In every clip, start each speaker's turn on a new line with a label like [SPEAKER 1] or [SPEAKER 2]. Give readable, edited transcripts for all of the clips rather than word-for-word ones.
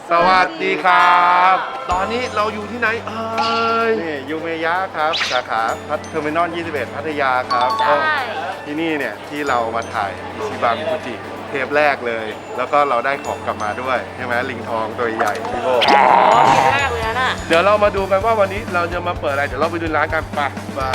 [SPEAKER 1] สวัสดีครับ ตอนนี้เราอยู่ที่ไหน
[SPEAKER 2] นี่ยูเมยะครับสาขาเทอร์มินอล 21 พัทยาครับ
[SPEAKER 3] ใช่
[SPEAKER 2] ที่นี่เนี่ยที่เรามาถ่ายอิชิบะมิคุจิเทปแรกเลย แล้วก็เราได้ของกลับมาด้วยใช่ไหมลิงทองตัวใหญ่พี่โบ
[SPEAKER 3] อ๋อกินแรกเลยน่ะ
[SPEAKER 1] เดี๋ยวเรามาดูกันว่าวันนี้เราจะมาเปิดอะไร เดี๋ยวเราไปดูร้านกันไป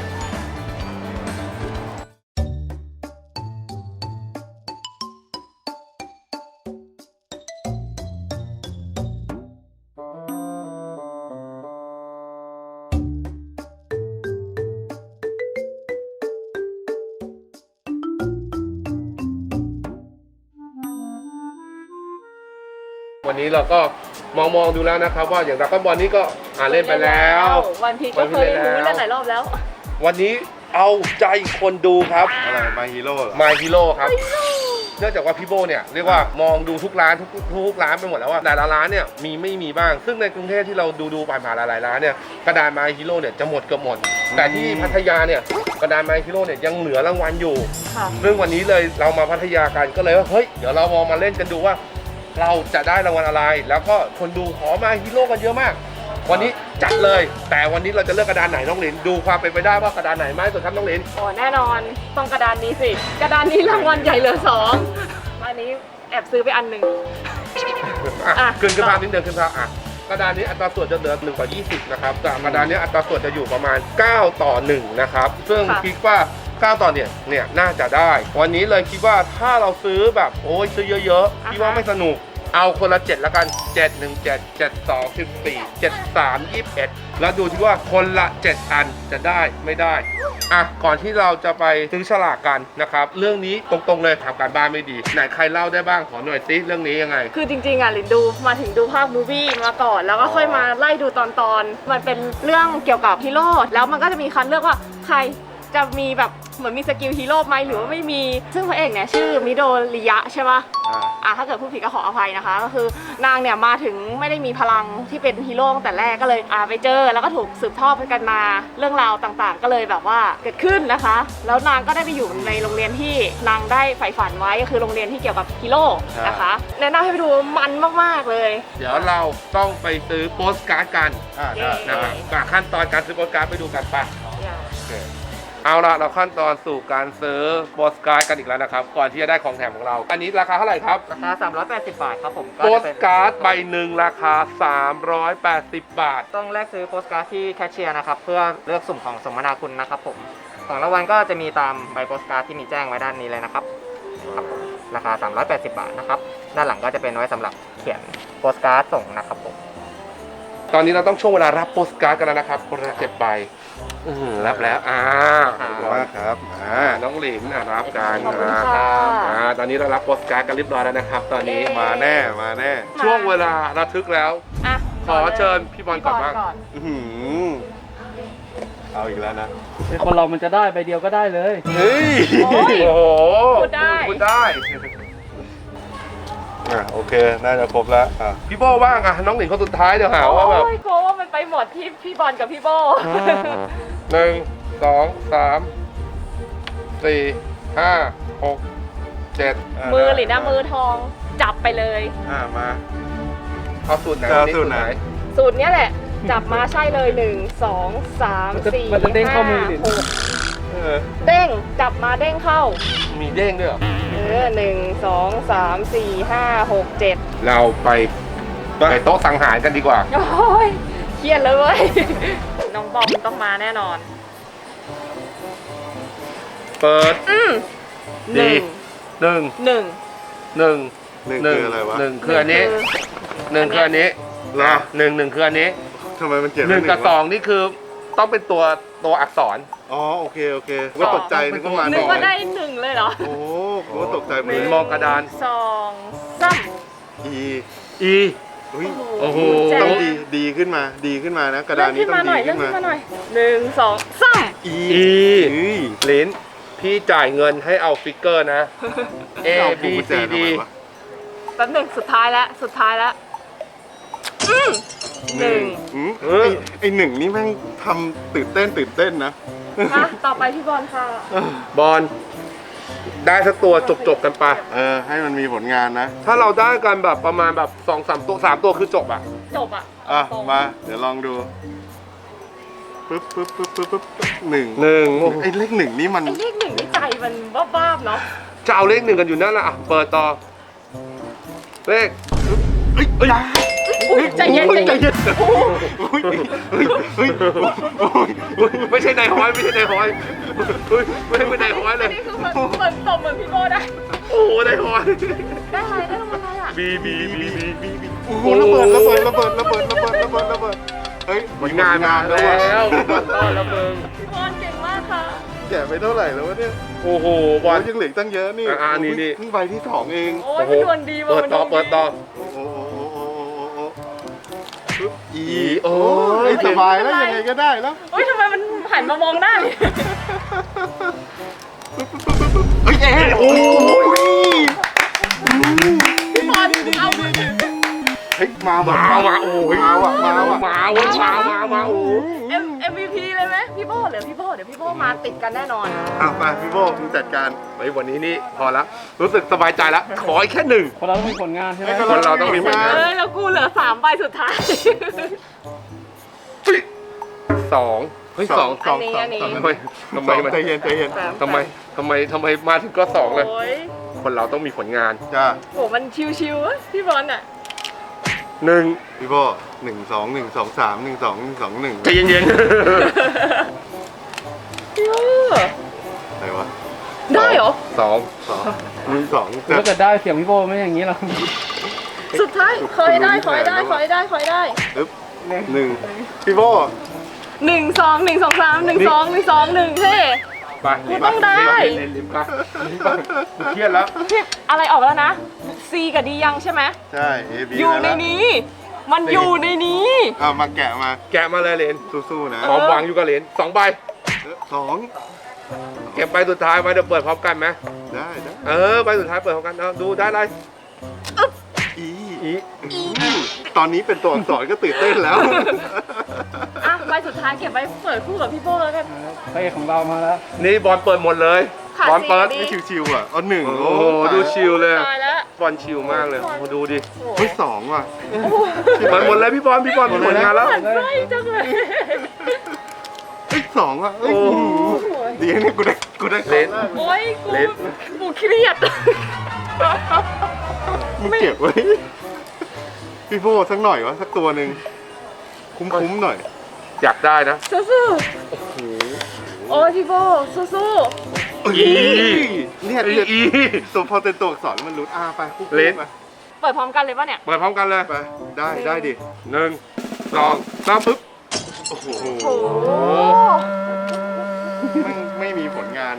[SPEAKER 1] วันนี้เราก็มองดูแล้วนะครับว่าอย่างดราก้อนบอลนี้ก็เล่นไปแล้ว
[SPEAKER 3] วันพีก็เคยรู้เล่นหลายรอบแล้ว
[SPEAKER 1] วันนี้เอาใจคนดูครับ
[SPEAKER 2] อะไรมาฮีโร่เหรอ
[SPEAKER 1] My Hero ครับเนื่องจากว่าพี่โบเนี่ยเรียกว่ามองดูทุกร้านทุกร้านไปหมดแล้วว่าแต่ละร้านเนี่ยไม่มีบ้างซึ่งในกรุงเทพที่เราดูผ่านหลายร้านเนี่ยกระดาน My Hero เนี่ยจะหมดเกือบหมดแต่ที่พัทยาเนี่ยกระดาน My Hero เนี่ยยังเหลือรางวัลอยู่
[SPEAKER 3] ค่ะ
[SPEAKER 1] ซึ่งวันนี้เลยเรามาพัทยากันก็เลยว่าเฮ้ยเดี๋ยวเรามาเล่นกันดูว่า เราจะได้รางวัลอะไร แล้วก็คนดูขอมาฮีโร่กันเยอะมาก วันนี้จัดเลย แต่วันนี้เราจะเลือกกระดานไหนน้องหลินดูความเป็นไปได้ว่ากระดานไหนมากที่สุดครับน้องหลิน
[SPEAKER 3] อ๋อแน่นอนต้องกระดานนี้สิกระดานนี้รางวัลใหญ่เหลือ2อันนี้แอบซื้อไปอันหนึ่ง
[SPEAKER 1] ขึ้นภาพนิดเดียวขึ้นภาพกระดานนี้อัตราส่วนจะเหลือ1 ต่อ 20นะครับแต่กระดานนี้อัตราส่วนจะอยู่ประมาณ9 ต่อ 1นะครับซึ่งคิดว่า9 ต่อเนี่ยน่าจะได้ วันนี้เลยคิดว่าถ้าเราซื้อแบบโอ้ยซื้อเยอะๆคิดว่าไม่สนุกเอาคนละ7แล้วกัน7 1 7 7 2 14 7 3 21แล้วดูที่ว่าคนละ7อันจะได้ไม่ได้ก่อนที่เราจะไปซื้อฉลากกันนะครับเรื่องนี้ตรงๆเลยทำการบ้านไม่ดีไหนใครเล่าได้บ้างขอหน่อยซิเรื่องนี้ยังไง
[SPEAKER 3] คือจริงๆลินดูมาถึงดูภาคมูวี่มาก่อนแล้วก็ค่อยมาไล่ดูตอนมันเป็นเรื่องเกี่ยวกับฮีโร่แล้วมันก็จะมีคัดเลือกว่าใครจะมีแบบเหมือนมีสกิลฮีโร่ไหมหรือว่าไม่มีซึ่งพระเอกเนี่ยชื่อมิโดริยะใช่ปะถ้าเกิดผู้ผิดก็ขออภัยนะคะก็คือนางเนี่ยมาถึงไม่ได้มีพลังที่เป็นฮีโร่ตั้งแต่แรกก็เลยไปเจอแล้วก็ถูกสืบทอดกันมาเรื่องราวต่างๆ ก็เลยแบบว่าเกิดขึ้นนะคะแล้วนางก็ได้ไปอยู่ในโรงเรียนที่นางได้ใฝ่ฝันไว้ก็คือโรงเรียนที่เกี่ยวกับฮีโร่นะคะแนะนำให้ไปดูมันมากๆเลย
[SPEAKER 1] เดี๋ยวเราต้องไปซื้อโปสการ์ดกันนะครับขั้นตอนการซื้อโปสการ์ดไปดูกันป่ะเอาละเราขั้นตอนสู่การซื้อโปสการ์ดกันอีกแล้วนะครับก่อนที่จะได้ของแถมของเราอันนี้ราคาเท่าไหร่ครับ
[SPEAKER 4] ราคา380 บาทครับผม
[SPEAKER 1] โปสการ์ดใบหนึ่งราคา380 บาท
[SPEAKER 4] ต้องแลกซื้อโปสการ์ดที่แคชเชียร์นะครับเพื่อเลือกสุ่มของสมนาคุณนะครับผมของรางวัลก็จะมีตามใบโปสการ์ดที่มีแจ้งไว้ด้านนี้เลยนะครับผมราคา380 บาทนะครับด้านหลังก็จะเป็นไว้สำหรับเขียนโปสการ์ดส่งนะครับผม
[SPEAKER 1] ตอนนี้เราต้องช่วงเวลารับโปสการ์ดกันแล้วนะครับคนละ7 ใบรับแล้ว
[SPEAKER 2] ขอบคุณมากครับ
[SPEAKER 1] น้องหลินรับกัน
[SPEAKER 3] ขอบคุณค่ะ
[SPEAKER 1] ตอนนี้เรารับโปสการ์ดกันเรียบร้อยแล้วนะครับตอนนี้
[SPEAKER 2] มาแน่
[SPEAKER 1] ช่วงเวลาระทึกแล้วขอเชิญพี่บอลก่อนบ้าง
[SPEAKER 2] เอาอีกแล้วนะ
[SPEAKER 4] คนเรามันจะได้ใบเดียวก็ได้เลย
[SPEAKER 2] เฮ้ย
[SPEAKER 1] โอ้โห
[SPEAKER 3] พูดได้
[SPEAKER 2] โอเคน่าจะครบแล้ว
[SPEAKER 1] พี่โบบ้างน้องหลินคนสุดท้ายเดี๋ยวหาว่าแบบ
[SPEAKER 3] โกว่ามันไปหมดที่พี่บอลกับพี่โบ
[SPEAKER 1] 1 2 3 4 5 6 7
[SPEAKER 3] มือหรือนะมือทองจับไปเลย
[SPEAKER 2] มา
[SPEAKER 1] เอาสูตรไหน
[SPEAKER 2] สูตรไหน
[SPEAKER 3] สูตรนี้แหละจับมาใช่เลย1 2 3 4
[SPEAKER 4] มันจะเด้งเข้ามือดิ
[SPEAKER 3] เด้งจับมาเด้งเข้า
[SPEAKER 1] มีเด้งด้วยเหรอ
[SPEAKER 3] 1 2 3 4 5 6 7
[SPEAKER 1] เราไปโต๊ะสังหารกันดีกว่า
[SPEAKER 3] โอ้ยเครียดเลยเว้ยน้องบอมต้องมาแน่นอน
[SPEAKER 1] เปิด
[SPEAKER 3] 1
[SPEAKER 2] คืออะไรวะ
[SPEAKER 1] 1คืออันนี้1คืออันนี้
[SPEAKER 2] เหรอ
[SPEAKER 1] 1คืออันนี้
[SPEAKER 2] ทำไมมันเขียน
[SPEAKER 1] 1กับ2นี่คือต้องเป็นตัวอักษร
[SPEAKER 2] โอเคก็ตกใจนึก
[SPEAKER 3] ว่าได้1เลยเหรอ
[SPEAKER 2] โอ้ก็ตกใจ
[SPEAKER 1] เหมือนมองกระดาน
[SPEAKER 3] 2 3
[SPEAKER 1] E
[SPEAKER 2] โอ้โหต้องดีขึ้นมานะกระดานนี้ต้องดีขึ้นมา
[SPEAKER 3] หน่อย1 2 3
[SPEAKER 1] E ลิ้นพี่จ่ายเงินให้เอาฟิกเกอร์นะ A B C D
[SPEAKER 3] แป๊บนึงสุดท้ายแล้ว
[SPEAKER 2] ไอ้1นี่แม่งทำตื่นเต้นนะ
[SPEAKER 3] ต่อไปพี่บอลค่ะ
[SPEAKER 1] บอลได้สักตัวจบกันไป
[SPEAKER 2] ให้มันมีผลงานนะ
[SPEAKER 1] ถ้าเราได้กันแบบประมาณแบบ2-3 ตัว3 ตัวคือจบอ่ะ
[SPEAKER 3] จบอ่ะ
[SPEAKER 2] อ่ะ
[SPEAKER 3] ตรง
[SPEAKER 2] มา เดี๋ยวลองดูปึ๊บปึ๊บปึ๊บปึ๊บปึ๊บหนึ่ง
[SPEAKER 1] 1
[SPEAKER 2] ไอ้เลขหนึ่งนี่มัน
[SPEAKER 3] ไอ้เลขหนึ่งนี่ใจมันบ้าๆเนาะ
[SPEAKER 1] จะเอาเลข 1กันอยู่นั่นแหละอ่ะเปิดต่อเลข
[SPEAKER 3] อุ๊ยใจเย็นใจเย็น
[SPEAKER 1] ไม่ใช่นายฮ้อยไม่ใช่นายฮ้อยไม่ใช่นายฮ้อยเล
[SPEAKER 3] อัน
[SPEAKER 1] ย
[SPEAKER 3] นี้คือเหมือนตบเหมือนพี่โบได้
[SPEAKER 1] โอ้โหนายฮ้อย
[SPEAKER 3] ได้อะไรได้รางวัลอะไรอ่ะ
[SPEAKER 1] บี
[SPEAKER 2] โอ้โหระเบิดระเบิดระเบิดระเบิดระเบิดระเบิดระเบิดเฮ้ย
[SPEAKER 1] ผลงานมา
[SPEAKER 2] แล้
[SPEAKER 1] แล้ว
[SPEAKER 2] ว
[SPEAKER 1] วต้อนแล้วมึง
[SPEAKER 3] พี่บอลเก่งมากค่ะ
[SPEAKER 2] แกะไปเท่าไหร่แล้ววะเนี่ย
[SPEAKER 1] โอ้โหบ
[SPEAKER 2] โอ้
[SPEAKER 1] อล
[SPEAKER 2] ยยังเหลืออกตั้งเยอะนี่
[SPEAKER 1] นี่
[SPEAKER 2] เพิ่งใบที่สองเอง
[SPEAKER 3] โอ้ยมันดวงดีว่ะ
[SPEAKER 1] เปิด
[SPEAKER 3] มัน
[SPEAKER 1] ต่อ
[SPEAKER 3] วง
[SPEAKER 1] เปิดต่อ
[SPEAKER 2] โอ้โหปึ๊บอี
[SPEAKER 1] โอ้ย
[SPEAKER 2] สบายแล้วยังไงก็ได้แล้ว
[SPEAKER 3] เฮ้ยทำไมมันหันมามองหน้าเลย
[SPEAKER 2] เฮ้ยโอ้ย
[SPEAKER 3] พี่บอลเอา
[SPEAKER 2] เฮ้ยมา
[SPEAKER 1] มาโอ้ย
[SPEAKER 2] มาว่ะมาว่ะ
[SPEAKER 1] มาโอ้
[SPEAKER 3] MVP เลยไหมพี่โบเดี๋ยวพี่โบมาติดกันแน่นอน
[SPEAKER 2] อ่ะไปพี่โบมึงจัดการ
[SPEAKER 1] ไวันนี้นี่พอแล้วรู้สึกสบายใจแล้วขออีกแค่ 1
[SPEAKER 5] คนเราต้องมีผลงานใช่ไหม
[SPEAKER 1] คนเราต้องมีผลงาน
[SPEAKER 3] เอ้ยแล้วกูเหลือ3ใบสุดท้าย
[SPEAKER 1] 2เฮ้ย2
[SPEAKER 3] อันนี้
[SPEAKER 1] ทำไมมัน
[SPEAKER 2] ใจเย็นใจเย็น
[SPEAKER 1] ทำไมมาถึงก็2เลย
[SPEAKER 3] โอ้ย
[SPEAKER 1] คนเราต้องมีผลงาน
[SPEAKER 2] จ้า
[SPEAKER 3] โหมันชิวๆอะพี่บอลอ่ะ
[SPEAKER 1] 1
[SPEAKER 2] พี่โบ1 2 1 2 3 1 2 1 2 1
[SPEAKER 1] ใจเย็น
[SPEAKER 3] พี่โบ
[SPEAKER 2] อะไรวะ
[SPEAKER 3] ได้เหรอ
[SPEAKER 1] ๆ2
[SPEAKER 2] 2
[SPEAKER 5] ถ้าเกิดได้เสียงพี่โบไม่อย่างนี้หรอก
[SPEAKER 3] สุดท้ายขอให้ได้
[SPEAKER 2] ปึ๊บ1พี่โบ
[SPEAKER 3] 1 2 1 2 3 1 2 1 2 1เท่
[SPEAKER 1] ไป
[SPEAKER 3] กูต้องได้
[SPEAKER 1] ลิ้นไปกูเครียดแล้ว
[SPEAKER 3] พี่อะไรออกแล้วนะ C กับ D ยังใช่ไหม
[SPEAKER 2] ใช่ A B
[SPEAKER 3] อยู่ในนี้ มันอยู่ในนี้
[SPEAKER 2] เอามาแกะมา
[SPEAKER 1] แกะมาเลยเลน
[SPEAKER 2] สู้ๆนะ
[SPEAKER 1] พร้อมวางอยู่กับเลน2 ใบ
[SPEAKER 2] 2
[SPEAKER 1] เก็บใบสุดท้ายไว้เดี๋ยวเปิดพร้อมกันไหม
[SPEAKER 2] ได้
[SPEAKER 1] ใบสุดท้ายเปิดพร้อมกันเอาดูได้อะไร
[SPEAKER 2] อี
[SPEAKER 1] อี
[SPEAKER 2] ตอนนี้เป็นตัวอักษรก็ตื่นเต้นแล้ว
[SPEAKER 3] อ่ะใบสุดท้ายเก็บไว้เปิดคู่กับพี่โบแล้วกัน
[SPEAKER 5] พระเอกของเรามาแล้ว
[SPEAKER 1] นี่บอลเปิดหมดเลย
[SPEAKER 3] ขาด
[SPEAKER 1] บอลเปิด
[SPEAKER 3] สี่
[SPEAKER 2] ไม่ชิวๆอ่ะเอา1
[SPEAKER 1] โอ้โหดูชิลเลย
[SPEAKER 3] ตายแล้ว
[SPEAKER 1] บอลชิลมากเลยมาดูดิ
[SPEAKER 3] โอ้
[SPEAKER 2] เฮ้ย2ว่ะ
[SPEAKER 1] เปิดหมดเลยพี่บอลมีผลงานแล้ว
[SPEAKER 3] หมันไส้จังเลย
[SPEAKER 2] เฮ้ย2อ่ะเฮ้ย
[SPEAKER 1] โอ้
[SPEAKER 2] ดีนี่กูได้
[SPEAKER 1] เล่น
[SPEAKER 3] โอ้ย
[SPEAKER 1] เล่น
[SPEAKER 3] กูเครียด
[SPEAKER 2] มึงเก็บไว้พี่โบสักหน่อยวะสักตัวหนึ่งคุ้มๆหน่อย
[SPEAKER 1] อยากได้นะ
[SPEAKER 3] สู้ๆโอ้ยพี่โบสู้
[SPEAKER 2] เนี่ย
[SPEAKER 1] อี
[SPEAKER 2] ตัวพอเป็นตัวอักษรมันรุดไปคู่ๆ
[SPEAKER 1] เล่น
[SPEAKER 2] ไป
[SPEAKER 3] ๆเปิดพร้อมกันเลยป่ะเนี่ย
[SPEAKER 1] เปิดพร้อมกันเลย
[SPEAKER 2] ไปได้ดิ
[SPEAKER 1] 1 2 3ปึ๊บ
[SPEAKER 2] โอ้โห
[SPEAKER 3] โอ้โห
[SPEAKER 2] ไม่มีผลงาน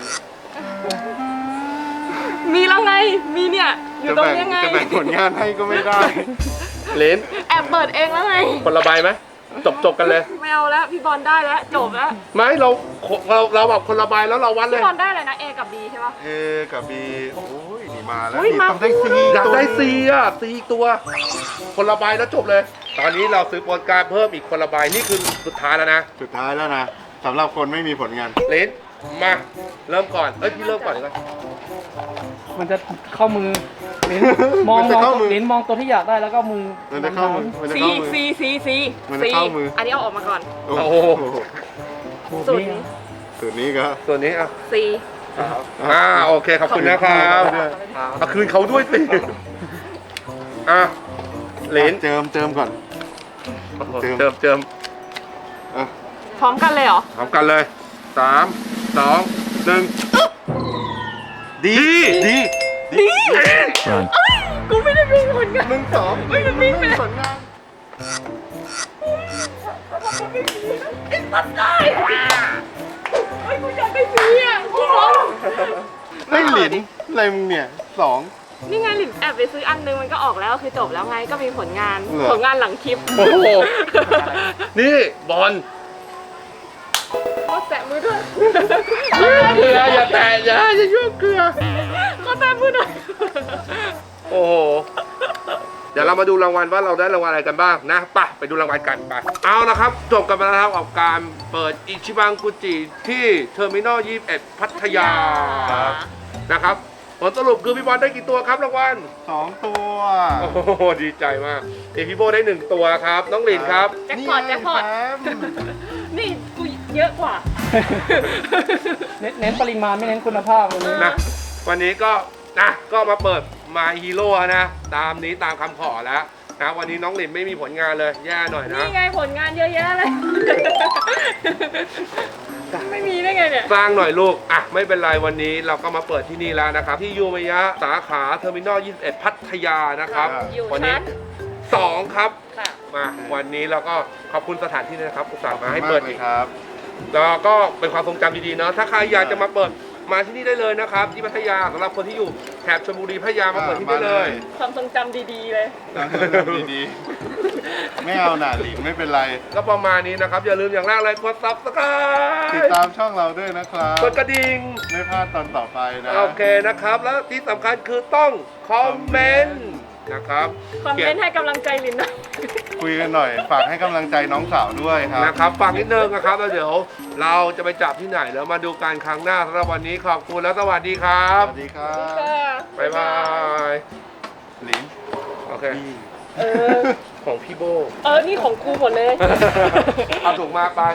[SPEAKER 3] มีแล้วไง มีเนี่ย อยู่ตรงนี้ไง
[SPEAKER 2] จะแบ่งผลงานให้ก็ไม่ได้
[SPEAKER 1] เลน
[SPEAKER 3] แอบเปิดเองแล้วไง
[SPEAKER 1] คนละใบไหมจบกันเลย
[SPEAKER 3] ไม่เอาแล้ว พี่บอลได้แล้ว จบแล้ว
[SPEAKER 1] ไม่เราแบบคนละใบแล้วเราวัดเล
[SPEAKER 3] พี่
[SPEAKER 1] ย
[SPEAKER 3] บอลได้เลยนะ A กับ B ใช่ปะ
[SPEAKER 2] A กับ B โอ้ยนี่มาแล้ว
[SPEAKER 3] อุ๊ย
[SPEAKER 2] นี่
[SPEAKER 3] มา
[SPEAKER 2] ต้องได้ C
[SPEAKER 1] อยากได้Cอ่ะ C อีกตัว คนละใบแล้วจบเลย ตอนนี้เราซื้อโปรการดเพิ่มอีกคนละใบนี่คือสุดท้ายแล้วนะ
[SPEAKER 2] สุดท้ายแล้วนะสำหรับคนไม่มีผลงาน
[SPEAKER 1] เลนมาเริ่มก่อนพี่เริ่มก่อนดีกว่า
[SPEAKER 5] มันจะเข้ามือลิ้นมอง
[SPEAKER 2] มันจะเข้ามือ
[SPEAKER 5] ลิ้นมองตัวที่อยากได้แล้วก็มือ
[SPEAKER 2] มันจะเข้ามือมันจะ
[SPEAKER 3] C
[SPEAKER 2] เข้ามือ
[SPEAKER 3] C C C
[SPEAKER 2] มันจะเข้ามือ
[SPEAKER 3] อันนี้เอาออกมาก่อน
[SPEAKER 2] โอ้โห
[SPEAKER 3] สูตรนี้
[SPEAKER 2] สูตรนี้ก็
[SPEAKER 1] ตัวนี้อ่ะ
[SPEAKER 3] C
[SPEAKER 1] โอเคขอบคุณนะครับ เอาคืนเขาด้วยสิเลน
[SPEAKER 2] เจิมก่อน เจิม อ่ะ
[SPEAKER 3] พร้อมกันเลยเหรอ
[SPEAKER 1] พร้อมกันเลย3 2 1
[SPEAKER 2] ดี
[SPEAKER 3] กูไม่ได้มีผลงาน
[SPEAKER 2] 1 2
[SPEAKER 3] ไม่ได้วิ่งไปเลย
[SPEAKER 2] ผลงาน
[SPEAKER 3] ไอ้สัตว์ได้เฮ้ยกูอยากได้สีอ่ะกูร้อง
[SPEAKER 2] ไม่หลินอะไรมึงเนี่ย2
[SPEAKER 3] นี่ไงหลินแอบไปซื้ออันนึงมันก็ออกแล้วคือจบแล้วไงก็มีผลงาน
[SPEAKER 2] เหรอ
[SPEAKER 3] ผลงานหลังคลิป
[SPEAKER 1] โอ้โห นี่บอล
[SPEAKER 3] ขอแตะมือด้วย
[SPEAKER 1] เกลืออย่าแตะอย่ายุ่งเกลือ
[SPEAKER 3] ขอแตะมือหน่อย
[SPEAKER 1] โอ้โห เดี๋ยวเรามาดูรางวัลว่าเราได้รางวัลอะไรกันบ้างนะไปดูรางวัลกันไปเอาละครับจบกันไปแล้วครับกับการเปิดอิชิบังกุจิที่เทอร์มินอล21 พัทยานะครับผลสรุปคือพี่บอลได้กี่ตัวครับรางวัล
[SPEAKER 2] 2 ตัว
[SPEAKER 1] โอ้โหดีใจมากพี่โบได้1ตัวครับน้องหลินครับ
[SPEAKER 3] แจ็คพอตแจ็คพอต นี่กูเยอะกว่า
[SPEAKER 5] เน้นปริมาณไม่เน้นคุณภาพวันนี้
[SPEAKER 1] นะวันนี้ก็ก็มาเปิด My Hero นะตามนี้ตามคำขอแล้วนะวันนี้น้องหลินไม่มีผลงานเลยแย่หน่อยนะ
[SPEAKER 3] นี่ไงผลงานเยอะแยะเลย ไม่มีได้ไงเนี่ย
[SPEAKER 1] สร้างหน่อยลูกไม่เป็นไรวันนี้เราก็มาเปิดที่นี่แล้วนะครับ ที่ยูเมยะสาขาเทอร์มินอล 21 พัทยานะครับ
[SPEAKER 3] อยู่
[SPEAKER 1] วันี้
[SPEAKER 3] ชั้น
[SPEAKER 1] 2 ครับ
[SPEAKER 3] ค่ะ
[SPEAKER 1] มาวันนี้เราก็ขอบคุณสถานที่ด้วยนะครับอุตส่าห์มาให้
[SPEAKER 2] มาก
[SPEAKER 1] เปิด
[SPEAKER 2] เล
[SPEAKER 1] อี
[SPEAKER 2] ย
[SPEAKER 1] ก
[SPEAKER 2] ครับ
[SPEAKER 1] แล้วก็เป็นความทรงจำดีๆเนาะถ้าใครอยากจะมาเปิดมาที่นี่ได้เลยนะครับ ที่พัทยาสำหรับคนที่อยู่แถบชลบุรีพัทยามาเปิดที่นี่เลย
[SPEAKER 3] ความทรงจำดีๆเลย
[SPEAKER 2] ดีๆ ไม่เอาหน่าหลินไม่เป็นไร
[SPEAKER 1] ก็ประมาณนี้นะครับ อย่าลืมอย่างแรกเลยกด subscribe
[SPEAKER 2] ติดตามช่องเราด้วยนะครับ
[SPEAKER 1] กดกระดิ่ง
[SPEAKER 2] ไม่พลาดตอนต่อไปนะ
[SPEAKER 1] โอเคนะครับ แล้วที่สำคัญคือต้องคอมเมนต์นะครับ
[SPEAKER 3] คอมเมนต์ให้กำลังใจลินหน่อย
[SPEAKER 2] คุยกันหน่อย ฝากให้กำลังใจน้องสาวด้วยครับ
[SPEAKER 1] นะครับฟังนิดนึงนะครับแล้วเดี๋ยวเราจะไปจับที่ไหนแล้วมาดูกันครั้งหน้าสำหรับวันนี้ขอบคุณและสวัสดีครั
[SPEAKER 2] ส
[SPEAKER 1] บ
[SPEAKER 2] วัสดีครับ
[SPEAKER 1] บ๊ายบาย
[SPEAKER 2] หลิน
[SPEAKER 1] โอเค
[SPEAKER 3] เออ
[SPEAKER 1] ของพี่โบ
[SPEAKER 3] นี่ของกูหมดเลย
[SPEAKER 1] เอาถูกมากไป